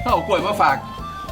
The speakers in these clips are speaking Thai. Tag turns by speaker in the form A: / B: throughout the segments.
A: เอากล้วยมาฝาก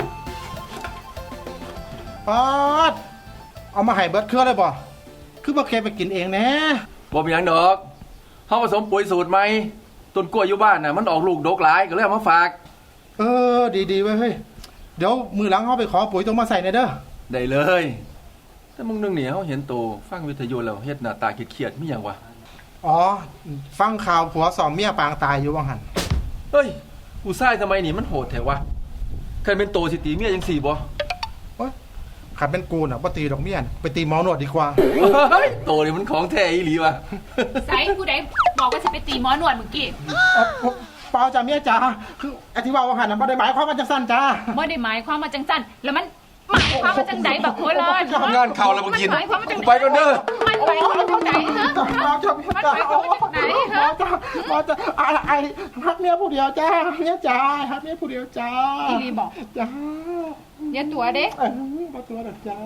B: ป๊อดเอามาให้เบิร์ดเครือเลยบ่คือบ่เคยไปกินเองแน่
A: บ่มีหยังดอกเฮาผสมปุ๋ยสูตรใหม่ต้นกล้วยอยู่บ้านน่ะมันออกลูกดกหลายก็เลยเอามาฝาก
B: ดีๆเว้ยเฮ้ยเดี๋ยวมือหลังเฮาไปขอปุ๋ยต้องมาใส่ในเด้อ
A: ได้เลยแต่มึงนึงเนี่ยเฮาเห็นโตฟังวิทยุแล้วเฮ็ดหน้าตาเครียดๆมีหยังวะ
B: อ๋อฟังข่าวผัวสอมเมียปางตายอยู่ว่าหั่น
A: เฮ้ยผู้ชายทำไมนี่มันโหดแท้วะเคยเป็นโตสิตีเมียจังซี่บ่
B: ขันเป็นกูน่ะบ่ตีดอกเมียไปตีหมอหนวดดีกว่า
A: เฮ้ยโตนี่มันของแท้อีหลีวะ
C: ไสผู้ใดบอกว่าจะไปตีหมอหนวดเมื่อกี้
B: เปล่าจ้าเมียจ๋าคืออธิบายว่าหั่นน่ะบ่ได้หมายความว่าจังซั่นจ้า
C: บ่ได้หมายความว่าจังซั่นแล้วมันหมายความว่าจังไดบักโคเลย
A: งานข่าวแล้วบ่กินไปก่อนเด้อ
C: มันหมายความว่าจังไดฮะ
B: หมอจ้ามันหมายความว่าจังไดฮะหมอจ้าไอ้ฮักเมียผู้เดียวจ้าเมียจ๋าฮักเมียผู้เดียวจ้า
C: อีหลีบอก
B: จ้า
C: อย่าตัวเด้
B: บ่ตัวดอกจ้า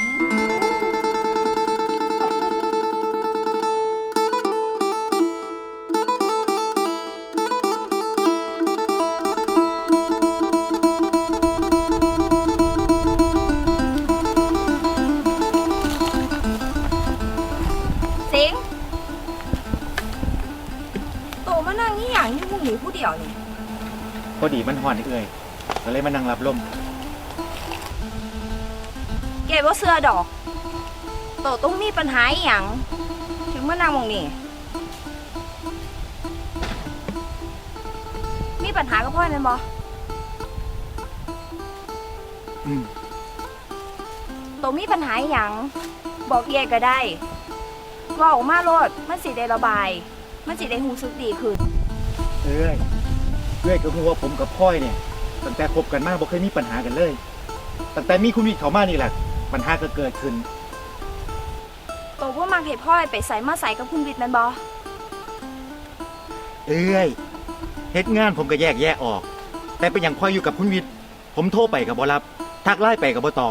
D: ผู้เดียวนี่พอดีมันห่อนเอื่อยก็เลยมานั่งรับลม
E: เก็บว่าเสื้อดอกโตต้องมีปัญหาอย่างถึงมานั่งมองนี่มีปัญหากับพ่อแม่นบ่โตมีปัญหาอย่างบอกเย่ก็ได้ว่าออกมาโลดมันสิได้ระบายมันสิได้หูสึกดีขึ้น
D: เอ้ยก็คือว่าผมกับพ่อยเนี่ยตั้งแต่คบกันมาบ่เคยมีปัญหากันเลยตั้งแต่มีคุณวิทย์เข้ามานี่แหละปัญหาก็เกิดขึ้น
E: โตว่ามักให้พ่อยไปใส่มาใส่กับคุณวิทย์แม่นบ่
D: เฮ็ดงานผมก็แยกแยะออกแต่เป็นอย่างพ่อยอยู่กับคุณวิทย์ผมโทรไปก็บ่รับทักไลน์ไปก็บ่ตอบ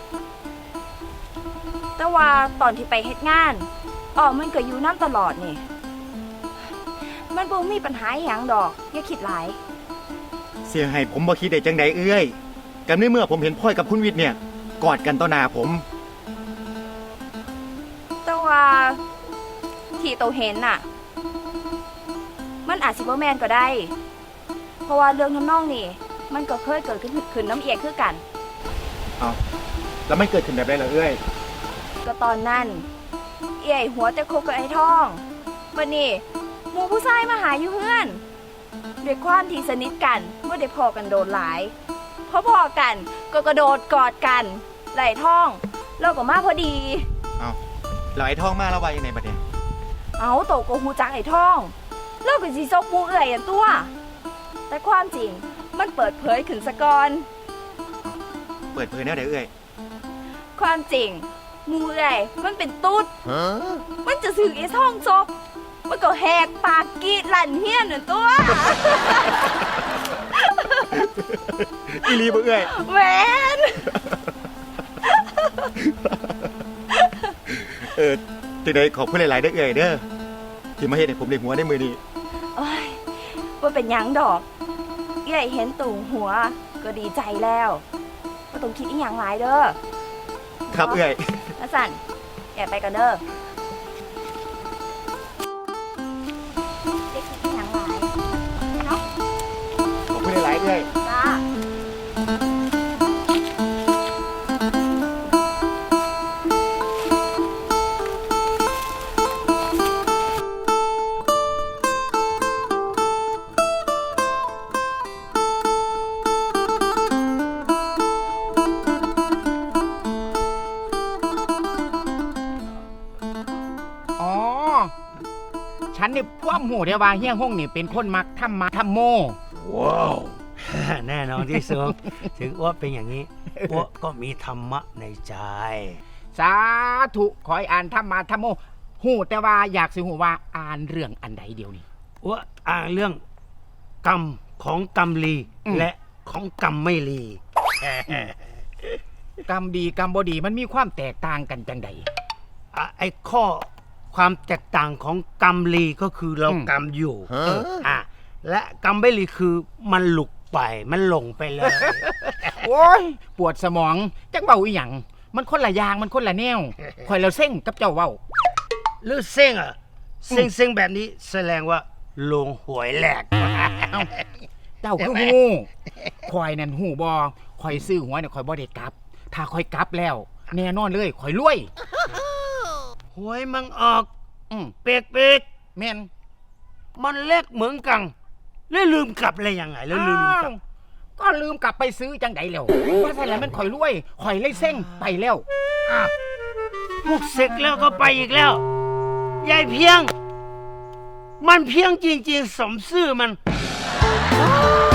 E: แต่ว่าตอนที่ไปเฮ็ดงานมันก็อยู่นำตลอดนี่มันบ่มีปัญหาหยังดอกอย่าคิดหลาย
D: เสียให้ผมบ่คิดได้จังใดกันในเมื่อผมเห็นพ่อยกับคุณวิทย์เนี่ยกอดกันต่อหน้าผม
E: แต่ว่าที่โตเห็นน่ะมันอาจสิบ่แม่นก็ได้เพราะว่าเรื่องทำนองนี่มันก็เคยเกิดขึ้นน้ำเอียงคือกัน
D: แล้วมันเกิดขึ้นแบบไรล่ะ
E: ก็ตอนนั้นเอี่ยหัวแต่คบกับไอ้ท่องวันนี้หมู่ผู้ชายมาหาอยู่เฮือนด้วยความที่สนิทกันเมื่อได้พอกันโดนหลายพอกันก็กระโดดกอดกันไหล่ท่องเราก็มาพอดี
D: แล้วไอ้ท่องมาแล้วว่ายังไงบัดเนี่ย
E: โตก็ฮู้จักไอ้ท่องเราก็สิซกหมู่เอื้อยอันตัวแต่ความจริงมันเปิดเผยขึ้นซะก่อน
D: เปิดเผยแนวใด
E: ความจริงหมู่เอื้อยมันเป็นตุ๊ดมันจะสึกไอ้ท่องซกมันก็แหกปากกรีดลั่นเฮี้ยนนั่นตัว
D: อีหลีบ่
E: แหวน
D: จังได๋ขอบคุณหลายๆเด้อเด้อที่มาเฮ็ดให้ผมได้หัวในมื้อนี้
E: บ่เป็นหยังดอกเห็นตู่หัวก็ดีใจแล้วบ่ต้องคิดอีหยังหลายเด้อ
D: ครับ
E: สั่นไปกันเด้อ
D: หลายเลย
E: จ้า
F: ฉันนี่พ่วมหูเดียวว่าเฮี้ยงห้องนี่เป็นคนมักทำมาทำโม
G: ว้าวแน่นอนที่สุดถึงอ้วเป็นอย่างนี้อ้วก็มีธรรมะในใจ
F: สาธุขอให้อ่านธรรมะธรรมโมหูแต่ว่าอยากสิหูว่าอ่านเรื่องอันใดเดียวนี้
G: อ้วอ่านเรื่องกรรมของกรรมลีและของกรรมไม่ลี
F: กรรมดีกรรมบ่ดีมันมีความแตกต่างกันจังใด
G: ไอ้ข้อความแตกต่างของกรรมลีก็คือเรากรรมอยู่และกรรมไม่ลีคือมันหลุดไปมันหลงไปเลย
F: โอ้ยปวดสมองจักเว้าอีหยังมันคนละอย่างมันคนละแนวข่อยแล้วเซ็งกับเจ้าเว้า
G: หรือเซ็งอ่ะเซ็งแบบนี้แสดงว่าลงหวยแหลก
F: เอ้าเจ้าคือฮู้ข่อยนั่นฮู้บ่ข่อยซื้อหวยน่ะข่อยบ่ได้กลับ ถ้าข่อยกลับแล้ว แน่นอนเลยข่อยรวย
G: หวยมันออก เปก
F: แม่น
G: มันเล็กเหมือนกันแล้วลืมกลับอะไรยังไงแล้วลืมกลับ
F: ก็ลืมกลับไปซื้อจังไดแล้วว่าซั่นแหละมันข่อยรวยข่อยเลยเซ็งไปแล้ว
G: พวกเสกแล้วก็ไปอีกแล้วยายเพียง มันเพียงจริงๆสมซื่อมัน
F: อ้า